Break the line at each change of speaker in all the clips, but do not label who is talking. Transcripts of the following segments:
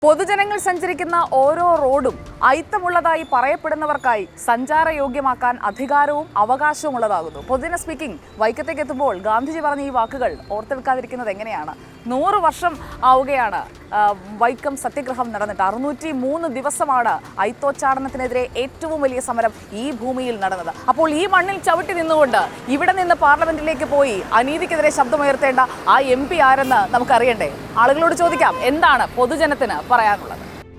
പൊതുജനങ്ങൾ സഞ്ചരിക്കുന്ന ഓരോ റോഡും അയിത്തമുള്ളതായി പറയപ്പെടുന്നവർക്കായി സഞ്ചാരയോഗ്യമാക്കാൻ അധികാരവും അവകാശവും ഉള്ളതാകുന്നു. പൊതുജന സ്പീക്കിംഗ് വൈക്കത്തേക്ക് എത്തുമ്പോൾ ഗാന്ധിജി പറഞ്ഞ ഈ വാക്കുകൾ ഓർത്തെടുക്കാതിരിക്കുന്നത് എങ്ങനെയാണ്? 100 വർഷം ആവുകയാണ് വൈക്കം സത്യഗ്രഹം നടന്നിട്ട്. 603 ദിവസമാണ് അയിത്തോച്ചാടനത്തിനെതിരെ ഏറ്റവും വലിയ സമരം ഈ ഭൂമിയിൽ നടന്നത്. അപ്പോൾ ഈ മണ്ണിൽ ചവിട്ടി നിന്നുകൊണ്ട് ഇവിടെ നിന്ന് പാർലമെന്റിലേക്ക് പോയി അനീതിക്കെതിരെ ശബ്ദമുയർത്തേണ്ട ആ MP ആരെന്ന് നമുക്കറിയണ്ടേ? ആളുകളോട് ചോദിക്കാം, എന്താണ് പൊതുജനത്തിന് പറയാനുള്ളത്?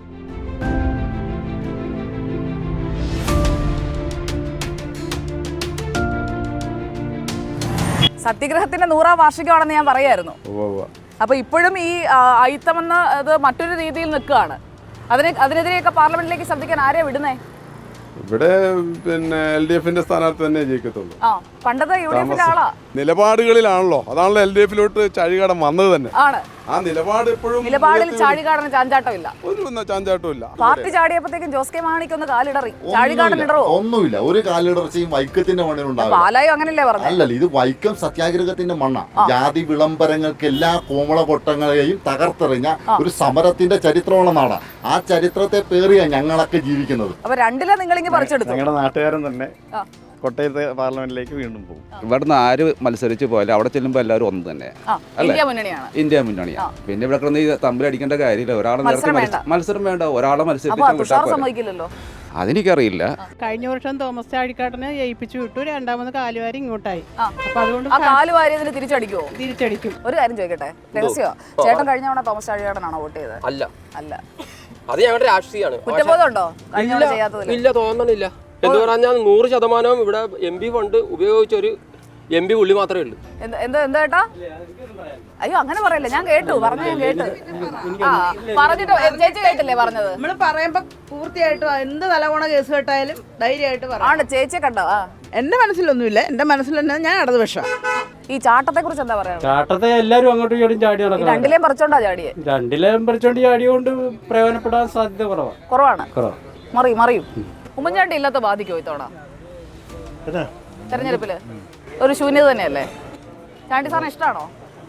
സത്യഗ്രഹത്തിന്റെ 100ാം വാർഷികമാണെന്ന് ഞാൻ പറയായിരുന്നു. അപ്പൊ ഇപ്പോഴും ഈ അയിത്തമെന്ന് അത് മറ്റൊരു രീതിയിൽ നിൽക്കുകയാണ്. അതിനെതിരെയൊക്കെ പാർലമെന്റിലേക്ക് ശബ്ദിക്കാൻ ആരെയാ വിടുന്നേ?
ഇവിടെ പിന്നെ LDFന്റെ സ്ഥാനാർത്ഥി തന്നെ ജയിക്കത്തുള്ളൂ.
പണ്ടത്തെ UDFന്റെ ആളാ.
നിലപാടുകളിലാണല്ലോ, അതാണല്ലോ LDFിലോട്ട് ചാഴികാടൻ വന്നത് തന്നെ.
ആണ്
ആ നിലപാട് എപ്പോഴും
നിലപാടിൽ ചാഴികാടന് ചാഞ്ചാട്ടമില്ല,
ഒരു ചാഞ്ചാട്ടമില്ല.
പാർട്ടി ചാടിയപ്പോഴത്തേക്കും ജോസ് കെ മാണിക്കൊന്ന് കാലിടറി, ചാഴികാടൻ ഇടറോ?
ഒന്നുമില്ല, ഒരു കാലിടർച്ചയും വൈക്കത്തിന്റെ മണ്ണിലുണ്ടാവില്ല.
പാലായോ അങ്ങനല്ലേ പറഞ്ഞു?
അല്ലല്ല, ഇത് വൈക്കം സത്യാഗ്രഹത്തിന്റെ മണ്ണാ. ജാതി വിളംബരങ്ങൾക്ക് എല്ലാ കോമള പൊട്ടങ്ങളെയും തകർത്തെറിഞ്ഞ ഒരു സമരത്തിന്റെ ചരിത്രമുള്ള നാടാണ്. ആ ചരിത്രത്തെ പേറിയാ ഞങ്ങളൊക്കെ ജീവിക്കുന്നത്.
അപ്പൊ രണ്ടിലെ നിങ്ങളിങ്ങ് പറിച്ചെടുത്തു.
ഞങ്ങളുടെ നാട്ടുകാരൻ തന്നെ കോട്ടയത്തെ പാർലമെന്റിലേക്ക് വീണ്ടും പോകും.
ഇവിടുന്ന് ആര് മത്സരിച്ച് പോയാലും അവിടെ ചെല്ലുമ്പോൾ എല്ലാവരും ഒന്ന് തന്നെ ഇന്ത്യ മുന്നണിയാണ്. പിന്നെ ഇവിടെ കിടന്ന് ഈ തമ്മിലടിക്കേണ്ട കാര്യമില്ല. ഒരാളെ മത്സരം വേണ്ട, ഒരാളെ മത്സരിപ്പിക്കാൻ അതെനിക്കറിയില്ല.
കഴിഞ്ഞ വർഷം തോമസ് ചാഴിക്കാടനെ ജയിപ്പിച്ചു വിട്ടു, രണ്ടാമത് കാലുവാരി ഇങ്ങോട്ടായി. അപ്പൊ അതുകൊണ്ട്
തിരിച്ചടിക്കുമോ?
തിരിച്ചടിക്കും.
ഒരു കാര്യം ചോദിക്കട്ടെ, രഹസ്യമോ? ചേട്ടൻ കഴിഞ്ഞ തവണ തോമസ് ചാഴികാടനാണോ വോട്ട് ചെയ്തത്? അല്ല
അത് ഞങ്ങളുടെ രാഷ്ട്രീയമാണ്.
കുറ്റബോധമുണ്ടോ കഴിഞ്ഞ തവണ ചെയ്യാത്തതിൽ?
ഇല്ല, തോന്നണില്ല. എന്ന് പറഞ്ഞാൽ 100% ഇവിടെ MP ഫണ്ട് ഉപയോഗിച്ചൊരു MP പുള്ളി മാത്രമേ ഉള്ളൂ.
എന്താ ഏട്ടാ? അയ്യോ അങ്ങനെ പറയല്ലേ, ഞാൻ കേട്ടു, ഞാൻ കേട്ടു. പറഞ്ഞിട്ട് ചേച്ചി കേട്ടില്ലേ പറഞ്ഞത്?
നമ്മള് പറയുമ്പോ പൂർത്തിയായിട്ടും എന്ത് തലകോണ കേസ് കേട്ടായാലും ധൈര്യമായിട്ട്
ആണ്. ചേച്ചിയെ കണ്ടോ?
എന്റെ മനസ്സിലൊന്നുമില്ല, എന്റെ മനസ്സിൽ തന്നെ ഞാൻ ഇടതുപക്ഷം.
ഈ ചാട്ടത്തെ കുറിച്ച് എന്താ പറയാ?
ചാട്ടത്തെ എല്ലാവരും അങ്ങോട്ടും ഇങ്ങോട്ടും ചാടി നടക്കണം.
രണ്ടിലേം പറിച്ചോണ്ടാ ചാടിയെ?
രണ്ടിലേം പറിച്ചോണ്ട് ചാടിയോണ്ട് പ്രയോജനപ്പെടാൻ സാധ്യത കുറവാണ്.
മറിയും. ഉമ്മൻചാണ്ടി ഇല്ലാത്ത ബാധിക്കോ ഇത്തവണ തെരഞ്ഞെടുപ്പില്? ഒരു ശൂന്യത തന്നെയല്ലേ? ചാണ്ടി സാറിന് ഇഷ്ടമാണോ?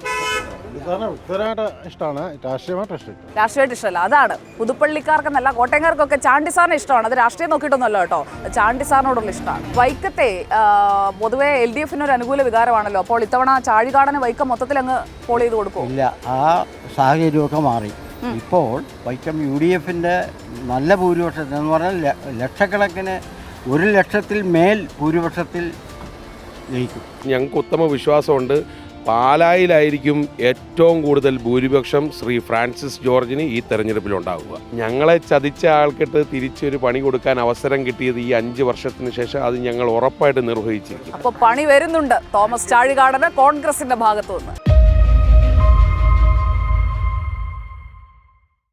രാഷ്ട്രീയമായിട്ട് ഇഷ്ടമല്ല. അതാണ് പുതുപ്പള്ളിക്കാർക്കെന്നല്ല കോട്ടയംകാർക്കൊക്കെ ചാണ്ടി സാറിന് ഇഷ്ടമാണ്. അത് രാഷ്ട്രീയം നോക്കിയിട്ടൊന്നുമല്ല കേട്ടോ, ചാണ്ടി സാറിനോടുള്ള ഇഷ്ടമാണ്. വൈക്കത്തെ പൊതുവെ LDFന് ഒരു അനുകൂല വികാരമാണല്ലോ. അപ്പോൾ ഇത്തവണ ചാഴികാടന് വൈക്കം മൊത്തത്തിൽ അങ്ങ് പോൾ ചെയ്ത് കൊടുക്കും?
ഇല്ല, ആ സാഹചര്യമൊക്കെ മാറി. ഇപ്പോൾ വൈക്കം UDFന്റെ നല്ല ഭൂരിപക്ഷത്തിൽ എന്ന് പറഞ്ഞാൽ ലക്ഷക്കണക്കിന് 1 ലക്ഷത്തിൽ മേൽ ഭൂരിപക്ഷത്തിൽ ജയിക്കും.
ഞങ്ങൾക്ക് ഉത്തമ വിശ്വാസമുണ്ട്, പാലായിലായിരിക്കും ഏറ്റവും കൂടുതൽ ഭൂരിപക്ഷം ശ്രീ ഫ്രാൻസിസ് ജോർജിന് ഈ തെരഞ്ഞെടുപ്പിലുണ്ടാവുക. ഞങ്ങളെ ചതിച്ച ആൾക്കിട്ട് തിരിച്ചൊരു പണി കൊടുക്കാൻ അവസരം കിട്ടിയത് ഈ 5 വർഷത്തിന് ശേഷം അത് ഞങ്ങൾ ഉറപ്പായിട്ട് നിർവഹിച്ചിരിക്കും.
അപ്പോൾ പണി വരുന്നുണ്ട് തോമസ് ചാഴികാടന് കോൺഗ്രസിന്റെ ഭാഗത്തുനിന്ന്.